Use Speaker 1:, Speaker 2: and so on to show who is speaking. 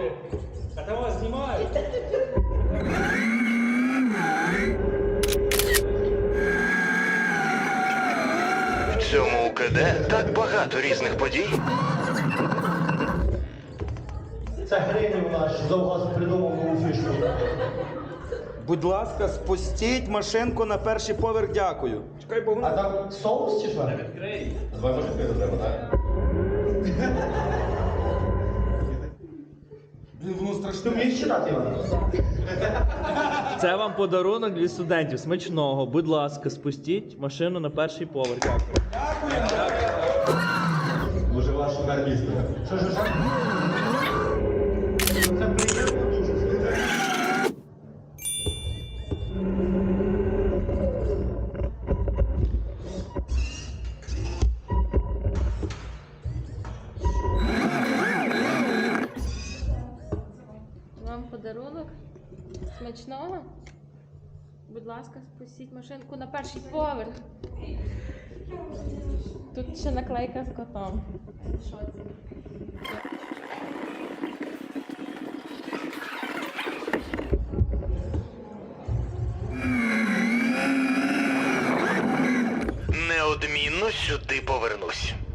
Speaker 1: А там вас знімають.
Speaker 2: В цьому УКД так багато різних подій.
Speaker 3: Це Гринів наш завгаз придумав нову фішку.
Speaker 4: Будь ласка, спустіть машинку на перший поверх, дякую.
Speaker 1: Чекай, бо
Speaker 3: А
Speaker 1: воно...
Speaker 3: там соус чи що?
Speaker 5: Давай машинкою треба, так?
Speaker 4: Блін, воно
Speaker 3: Ти
Speaker 4: страшне.
Speaker 3: вмієш читати, Іван?
Speaker 6: Це вам подарунок від студентів. Смачного. Будь ласка, спустіть машину на перший поверх. Дякую.
Speaker 5: Може ваш шукар міста.
Speaker 3: Що? Це приємно дуже.
Speaker 7: Вам подарунок. Смачного. Будь ласка, спустіть машинку на перший поверх. Тут ще наклейка з котом. Що це?
Speaker 2: Неодмінно сюди повернусь.